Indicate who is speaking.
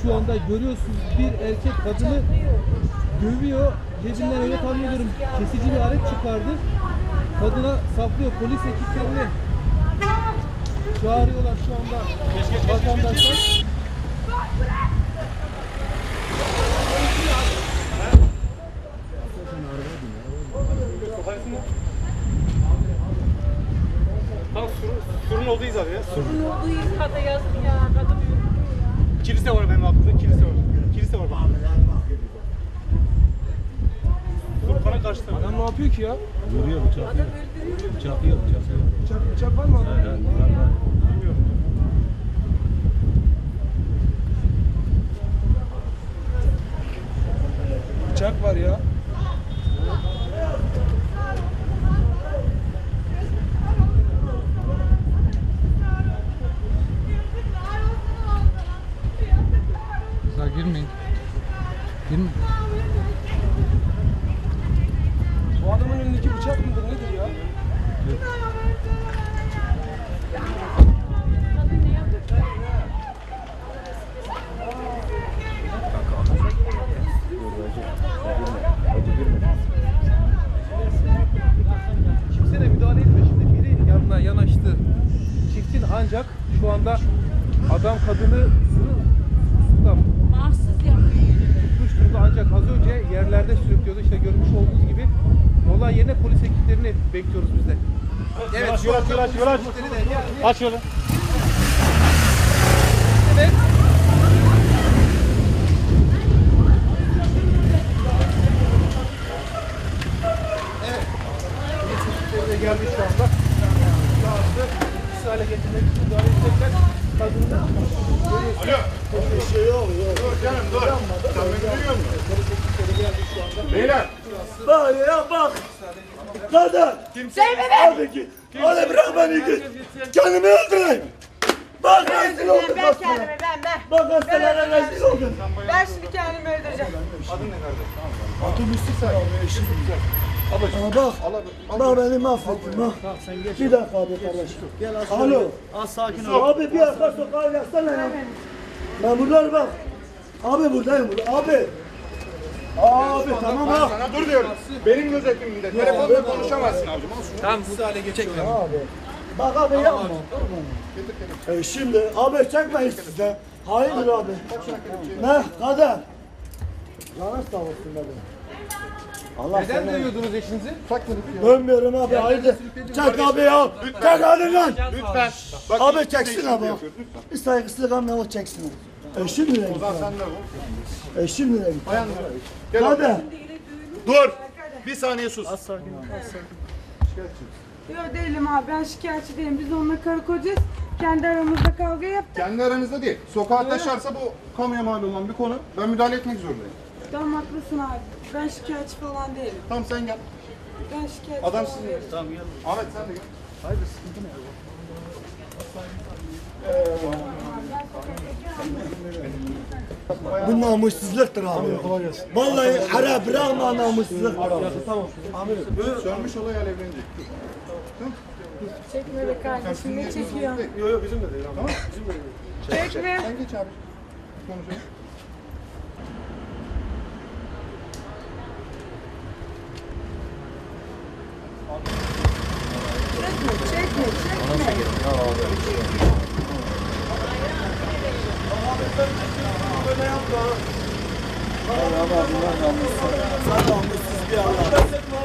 Speaker 1: şu anda görüyorsunuz, bir erkek kadını dövüyor. Cebinden öyle tahmin ediyorum kesici bir alet çıkardı. Kadına saplıyor. Polis ekiplerini çağırıyorlar şu anda vatandaşlar.
Speaker 2: Tam surun olduğu iz abi ya.
Speaker 3: Surun olduğu izkata yazık ya. Kadın yürüyor ya.
Speaker 2: Kilise var benim aklımda. Kilise var. Kilise var bak. Sur bana kaçtı.
Speaker 1: Adam ne yapıyor ki ya?
Speaker 4: Vuruyor, bıçak
Speaker 3: Adam öldürüyor.
Speaker 4: Bıçaklıyor.
Speaker 1: Bıçak var mı adamın?
Speaker 4: Var.
Speaker 2: Bilmiyorum.
Speaker 1: Bıçak var ya. Kızlar girmeyin. Girmeyin. Bu adamın önündeki bıçak mıdır nedir ya?
Speaker 3: Kadın ne yapıyor?
Speaker 1: Kimse de müdahale etmiyor. Şimdi biri yanına yanaştı. Çiftin ancak şu anda adam kadını sırılsıklam
Speaker 3: Mahsus yapıyor.
Speaker 1: tutmuş durumda, ancak az önce yerlerde sürüklüyordu. İşte görmüş olduğunuz gibi olay yerine polis ekiplerini bekliyoruz biz de. Evet,
Speaker 2: Yol aç, yol aç, yol aç. Aç yolu.
Speaker 1: Evet. Evet. Polis ekipleri de geldi şu anda. Şahsı etkisiz hale getirmek için müdahale edecekler. Kadını
Speaker 2: Alo.
Speaker 5: Bir şey yok.
Speaker 2: Dur canım dur. Sen beni duyuyor musun?
Speaker 1: polis ekipleri geldi şu anda.
Speaker 2: Beyler.
Speaker 5: Bak ya bak. Kadın. Abi git. Hadi bırak beni git. Kendimi öldüreyim. Bak rezil oldum
Speaker 3: Ben
Speaker 5: hastaneye.
Speaker 3: kendimi ben.
Speaker 5: Bak hastaneye rezil oldum.
Speaker 3: Ben şimdi kendimi öldüreceğim.
Speaker 2: Adın ne kardeş?
Speaker 5: Otobüsü sen. Bak beni mahvettin bak. Bir dakika abi kardeşim. Alo.
Speaker 4: Az sakin ol.
Speaker 5: Abi bir arka sokağa yazsana ya. Memurlar bak. Abi buradayım burada. Abi. Abi tamam
Speaker 2: Ben
Speaker 5: bak.
Speaker 2: sana dur diyorum. Benim gözetimimde. Telefonla konuşamazsın abicim.
Speaker 1: Tamam, etkisiz hale getiriyorlar.
Speaker 5: Abi. Bak abi yapma. Şimdi abi çekmeyin siz de. Hayırdır abi? Ne? Kadın. Canın sağ olsun abi. Allah
Speaker 1: Neden dövüyordunuz eşinizi?
Speaker 5: Dönmüyorum abi hayırdır? Çek abi ya. Çek hadi lan.
Speaker 2: Lütfen. Bak,
Speaker 5: Abi
Speaker 2: işte
Speaker 5: çeksin
Speaker 2: işini
Speaker 5: abi.
Speaker 2: yapıyoruz, lütfen.
Speaker 5: Bir saygısızlık ama o çeksin. Eşim nereye
Speaker 2: O
Speaker 5: gitti?
Speaker 2: zaman sen de bu.
Speaker 5: Eşim nereye gitti?
Speaker 2: Bayanlar. Gel
Speaker 5: Hadi.
Speaker 2: abi. Dur. Bir saniye sus.
Speaker 6: Yok değilim abi, ben şikayetçi değilim. Biz onunla karı kocayız. Kendi aramızda kavga yaptık.
Speaker 2: Kendi aranızda değil. Sokağa taşarsa bu kamuya mal olan bir konu. Ben müdahale etmek zorundayım.
Speaker 6: Tamam haklısın abi. Ben şikayetçi falan değilim.
Speaker 2: Tamam sen gel.
Speaker 6: Ben şikayetçi
Speaker 2: Adam
Speaker 6: falan
Speaker 2: sizin.
Speaker 6: değilim.
Speaker 2: Tamam gel. Ahmet sen de gel.
Speaker 5: Bu namussuzluktur abi. Vallahi ara bırakma namussuzluktur abi.
Speaker 2: Sönmüş olay alevlenecek.
Speaker 6: Çekme be kardeşim, ne çekiyor?
Speaker 2: Yok yok bizim de değil. Tamam. Bizim de değil.
Speaker 6: Çekme.
Speaker 2: Sen geç abi. Konuşalım.
Speaker 6: Çekme, çekme.
Speaker 5: Sen namussuz bir Allah.